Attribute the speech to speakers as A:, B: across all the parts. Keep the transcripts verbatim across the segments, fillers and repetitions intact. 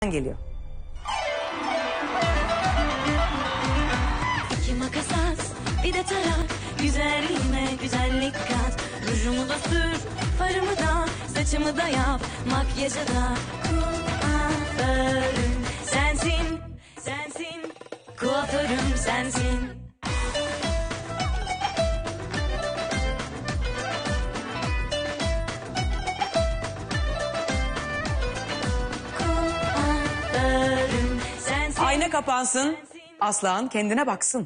A: geliyor.
B: İki makas at, bir de tarak. Güzelliğime güzellik kat. Rujumu da sür, farımı da, saçımı da yap. Makyajı da kuaförüm sensin, sensin. Kuaförüm sensin. Kuaförüm sensin.
A: Ayna kapansın. Aslan kendine baksın.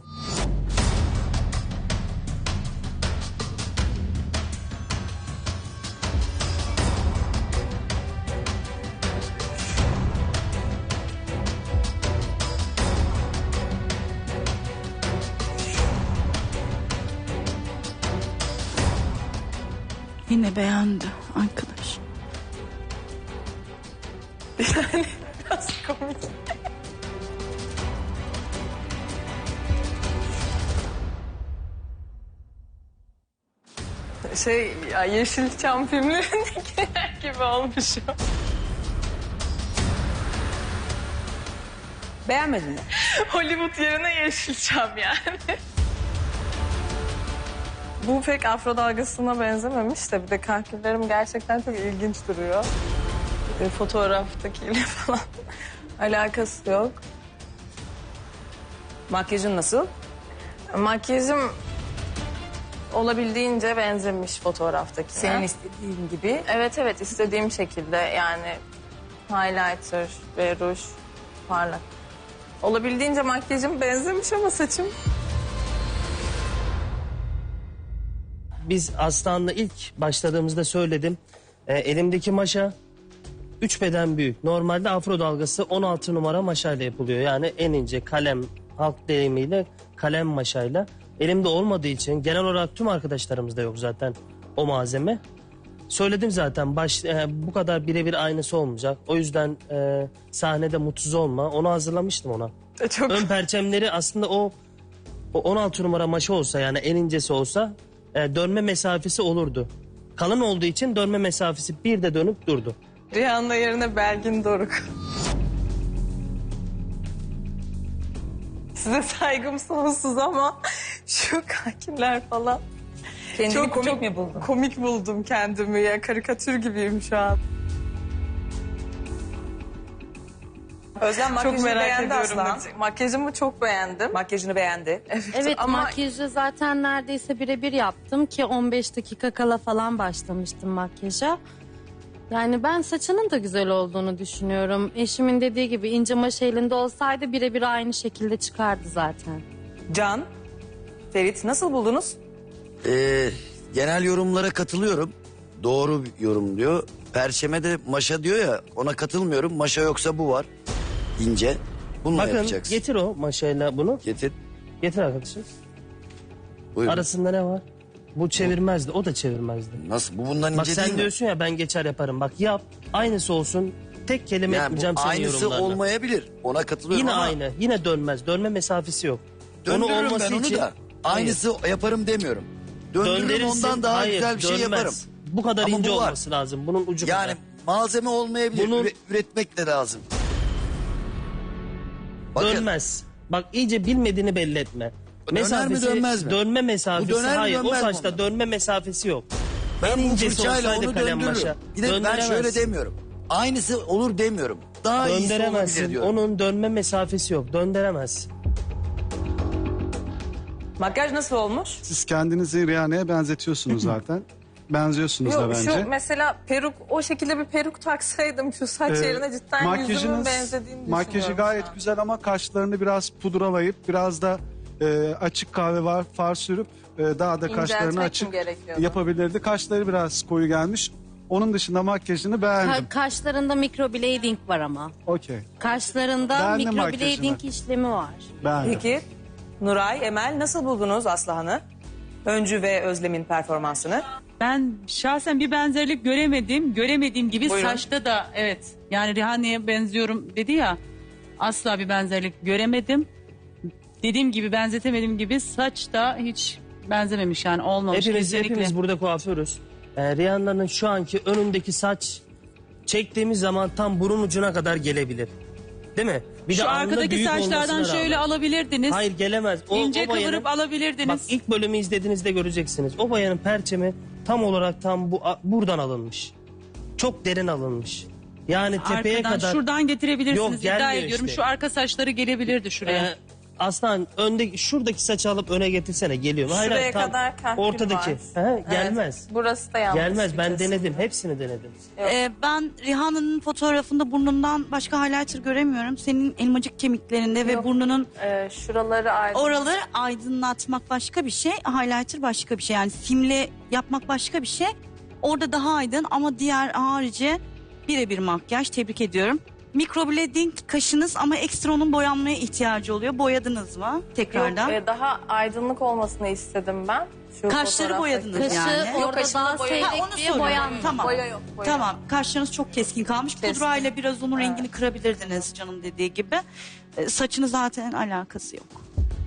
C: Yine beğendi arkadaş.
A: Yani biraz komik.
D: Şey ya Yeşilçam filmlerindekiler gibi olmuş o.
A: Beğenmedin mi?
D: Hollywood yerine Yeşilçam yani. Bu pek afro dalgasına benzememiş de bir de kahküllerim gerçekten çok ilginç duruyor. E, fotoğraftakiyle falan alakası yok.
A: Makyajın nasıl?
D: Makyajım olabildiğince benzemiş fotoğraftaki.
A: Senin istediğin gibi.
D: Evet evet istediğim şekilde yani highlighter ve ruj parlak. Olabildiğince makyajım benzemiş ama saçım.
E: Biz Aslan'la ilk başladığımızda söyledim. E, elimdeki maşa üç beden büyük. Normalde afro dalgası on altı numara maşayla yapılıyor. Yani en ince kalem, halk deyimiyle kalem maşayla. Elimde olmadığı için genel olarak tüm arkadaşlarımızda yok zaten o malzeme. Söyledim zaten baş, e, bu kadar birebir aynısı olmayacak. O yüzden e, sahnede mutsuz olma. Onu hazırlamıştım ona.
D: E, Çok
E: Ön perçemleri aslında o, o on altı numara maşa olsa yani en incesi olsa e, dönme mesafesi olurdu. Kalın olduğu için dönme mesafesi bir de dönüp durdu.
D: Rihanna yerine Belgin Doruk. Size saygım sonsuz ama şu kahkiller falan.
A: Kendini komik mi buldun?
D: Komik buldum kendimi ya. Karikatür gibiyim şu an.
A: Özlem
D: Çok
A: makyajını
D: merak
A: beğendi
D: ediyorum.
A: Aslan.
D: Makyajımı çok beğendim.
A: Makyajını beğendi.
F: Evet
D: ama
F: makyajı zaten neredeyse birebir yaptım ki on beş dakika kala falan başlamıştım makyaja. Yani ben saçının da güzel olduğunu düşünüyorum. Eşimin dediği gibi ince maşa elinde olsaydı birebir aynı şekilde çıkardı zaten.
A: Can, Ferit nasıl buldunuz?
G: Ee, genel yorumlara katılıyorum. Doğru bir yorum diyor. Perçeme de maşa diyor ya, ona katılmıyorum. Maşa yoksa bu var. İnce. Bununla
E: Bakın
G: yapacaksın.
E: getir o maşayla bunu.
G: Getir.
E: Getir arkadaşım.
G: Buyurun.
E: Arasında ne var? Bu çevirmezdi, o da çevirmezdi.
G: Nasıl? Bu bundan
E: Bak
G: ince değil
E: sen
G: mi?
E: diyorsun ya ben geçer yaparım. Bak yap, aynısı olsun. Tek kelime
G: Yani bu
E: etmeyeceğim senin
G: aynısı
E: yorumlarına.
G: olmayabilir. Ona katılıyorum
E: Yine
G: ama
E: aynı, yine dönmez. Dönme mesafesi yok.
G: döndürürüm
E: olması
G: ben onu
E: için-
G: da. Aynısı yaparım demiyorum. Döndürürüm
E: Döndürürsün,
G: ondan daha
E: hayır,
G: güzel bir şey
E: dönmez.
G: yaparım.
E: Bu kadar
G: Ama
E: ince
G: bu var.
E: olması lazım. Bunun ucu
G: Yani
E: kadar.
G: malzeme olmayabilir.
E: Bunun-
G: Üre- üretmek de lazım. Bakın,
E: Dönmez. Bak iyice bilmediğini belli etme.
G: Döner mi, dönmez mi?
E: Dönme mesafesi
G: Bu döner mi,
E: hayır. O
G: dönmez mi
E: saçta
G: bundan?
E: dönme mesafesi yok.
G: ben
E: en
G: bu
E: incesi
G: fırçayla
E: olsaydı
G: onu
E: kalem
G: döndürürüm.
E: maşa.
G: Bir de ben
E: Döndüremezsin.
G: şöyle demiyorum. Aynısı olur demiyorum. Daha iyisi olabilir
E: Döndüremezsin.
G: diyorum.
E: Onun dönme mesafesi yok. Döndüremez.
A: Makyaj nasıl olmuş?
H: Siz kendinizi Rihanna'ya benzetiyorsunuz zaten. Benziyorsunuz da
D: Yok,
H: bence.
D: şu mesela peruk, o şekilde bir peruk taksaydım şu saç
H: Ee,
D: yerine cidden yüzümün benzediğini
H: makyajı
D: düşünüyorum
H: gayet
D: şu an.
H: güzel ama kaşlarını biraz pudralayıp biraz da e, açık kahve var far sürüp e, daha da kaşlarını
D: İnceltmek mi
H: açık
D: gerekiyordu?
H: yapabilirdi. Kaşları biraz koyu gelmiş. Onun dışında makyajını beğendim.
F: Ka- kaşlarında microblading var ama.
H: Okey.
F: Kaşlarında
H: Beğendim
F: microblading
H: makyajını.
F: işlemi var.
H: Beğendim.
A: Peki Nuray, Emel nasıl buldunuz Aslıhan'ı? Öncü ve Özlem'in performansını.
C: Ben şahsen bir benzerlik göremedim. Göremediğim gibi
A: Buyurun.
C: saçta da evet. Yani Rihanna'ya benziyorum dedi ya. Asla bir benzerlik göremedim. Dediğim gibi benzetemediğim gibi saç da hiç benzememiş yani olmamış
E: Hepimiz,
C: kesinlikle.
E: hepimiz burada kuaförüz. Ee, Rihanna'nın şu anki önündeki saç çektiğimiz zaman tam burun ucuna kadar gelebilir. Değil mi? Bir
C: Şu
E: de alnı
C: arkadaki
E: büyük
C: saçlardan
E: olmasına
C: şöyle
E: rağmen.
C: alabilirdiniz.
E: Hayır gelemez. O,
C: İnce
E: o bayanın-
C: kıvırıp alabilirdiniz.
E: Bak ilk bölümü izlediğinizde göreceksiniz. O bayanın perçemi tam olarak tam bu a- buradan alınmış. Çok derin alınmış. Yani tepeye
C: Arkadan
E: kadar.
C: şuradan getirebilirsiniz.
E: Yok,
C: iddia
E: gelmiyor
C: ediyorum.
E: işte.
C: Şu arka saçları gelebilirdi şuraya.
E: Ee, Aslan önde şuradaki saçı alıp öne getirsene geliyor mu? Hayır,
D: Şuraya
E: hayır, tam
D: kadar kahkül
E: ortadaki.
D: var.
E: He, gelmez.
D: Evet, burası da yanlış.
E: Gelmez.
D: bir
E: Ben
D: kesim.
E: denedim. Hepsini denedim.
I: Ee, ben Rihanna'nın fotoğrafında burnundan başka highlighter göremiyorum. Senin elmacık kemiklerinde ve
D: Yok.
I: burnunun
D: Ee, şuraları ayrı.
I: oraları aydınlatmak başka bir şey. Highlighter başka bir şey. Yani simle yapmak başka bir şey. Orada daha aydın ama diğer harici birebir makyaj. Tebrik ediyorum. Microblading kaşınız ama ekstra onun boyanmaya ihtiyacı oluyor. Boyadınız mı tekrardan?
D: Yok, e, daha aydınlık olmasını istedim ben. Şu
I: Kaşları
D: fotoğraftaki.
I: boyadınız
F: Kaşı
I: yani.
F: orada
D: kaşında
F: daha
D: boya-
F: seyrek
I: Ha, onu
F: diye
I: soruyorum.
F: boyanmıyor.
I: Tamam.
D: Boya yok. Boya.
I: Tamam, kaşlarınız çok keskin kalmış.
D: Keskin.
I: Pudrayla biraz onun rengini kırabilirdiniz canım dediği gibi. Ee, saçını zaten alakası yok.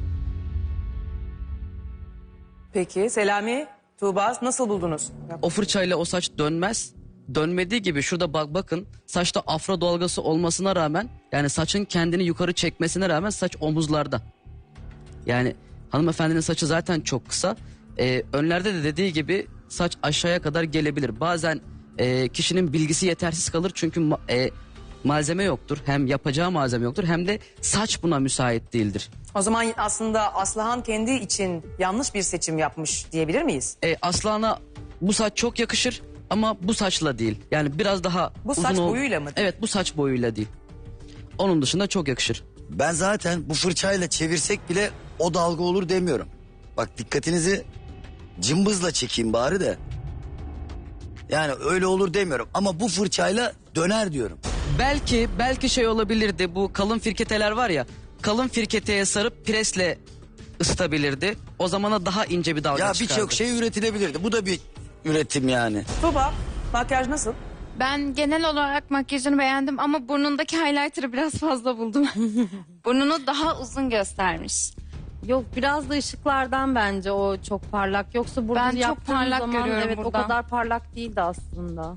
A: Peki Selami, Tuğba nasıl buldunuz?
J: O fırçayla o saç dönmez. Dönmediği gibi şurada bak bakın saçta afro dalgası olmasına rağmen yani saçın kendini yukarı çekmesine rağmen saç omuzlarda. Yani hanımefendinin saçı zaten çok kısa. Ee, önlerde de dediği gibi saç aşağıya kadar gelebilir. Bazen e, kişinin bilgisi yetersiz kalır çünkü ma- e, malzeme yoktur. Hem yapacağı malzeme yoktur hem de saç buna müsait değildir.
A: O zaman aslında Aslıhan kendi için yanlış bir seçim yapmış diyebilir miyiz?
J: E, Aslan'a bu saç çok yakışır ama bu saçla değil. Yani biraz daha
A: Bu
J: uzun
A: saç
J: ol-
A: boyuyla mı?
J: Evet bu saç boyuyla değil. Onun dışında çok yakışır.
G: Ben zaten bu fırçayla çevirsek bile o dalga olur demiyorum. Bak dikkatinizi cımbızla çekeyim bari de. Yani öyle olur demiyorum ama bu fırçayla döner diyorum.
J: Belki belki şey olabilirdi bu kalın firketeler var ya. Kalın firketeye sarıp presle ısıtabilirdi. O zamana daha ince bir dalga
G: Ya
J: çıkardı.
G: birçok şey üretilebilirdi. Bu da bir üretim yani.
A: Tuğba, makyaj nasıl?
K: Ben genel olarak makyajını beğendim ama burnundaki highlighter'ı biraz fazla buldum. Burnunu daha uzun göstermiş.
F: Yok biraz da ışıklardan bence o çok parlak. Yoksa burada
K: Ben çok
F: yaptığım
K: parlak
F: zaman
K: görüyorum
F: evet
K: buradan.
F: o kadar parlak değildi aslında.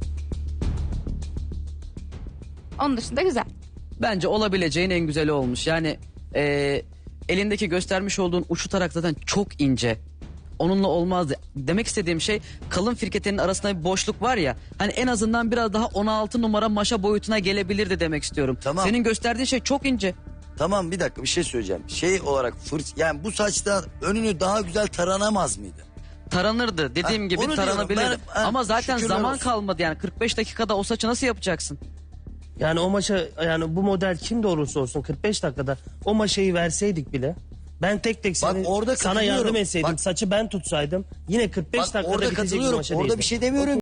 K: Onun dışında güzel.
J: Bence olabileceğin en güzeli olmuş. Yani e, elindeki göstermiş olduğun uçlu tarak zaten çok ince. Onunla olmazdı. Demek istediğim şey kalın firketenin arasında bir boşluk var ya. Hani en azından biraz daha on altı numara maşa boyutuna gelebilirdi demek istiyorum.
G: Tamam.
J: Senin gösterdiğin şey çok ince.
G: Tamam bir dakika bir şey söyleyeceğim. Şey olarak fırç yani bu saçta önünü daha güzel taranamaz mıydı?
J: Taranırdı. Dediğim
G: Ha,
J: gibi
G: onu diyorum.
J: taranabilirdi.
G: Ben- ha,
J: Ama zaten
G: şükürler
J: zaman
G: olsun.
J: kalmadı yani kırk beş dakikada o saçı nasıl yapacaksın?
E: Yani o maşa yani bu model kim de olursa olsun kırk beş dakikada o maşayı verseydik bile ben tek tek
G: Bak
E: seni,
G: orada
E: sana
G: katılıyorum.
E: yardım etseydim
G: Bak-
E: saçı ben tutsaydım yine kırk beş
G: Bak
E: dakikada
G: orada
E: bitecek bir
G: katılıyorum.
E: maşa
G: Orada
E: değildi.
G: bir şey demiyorum.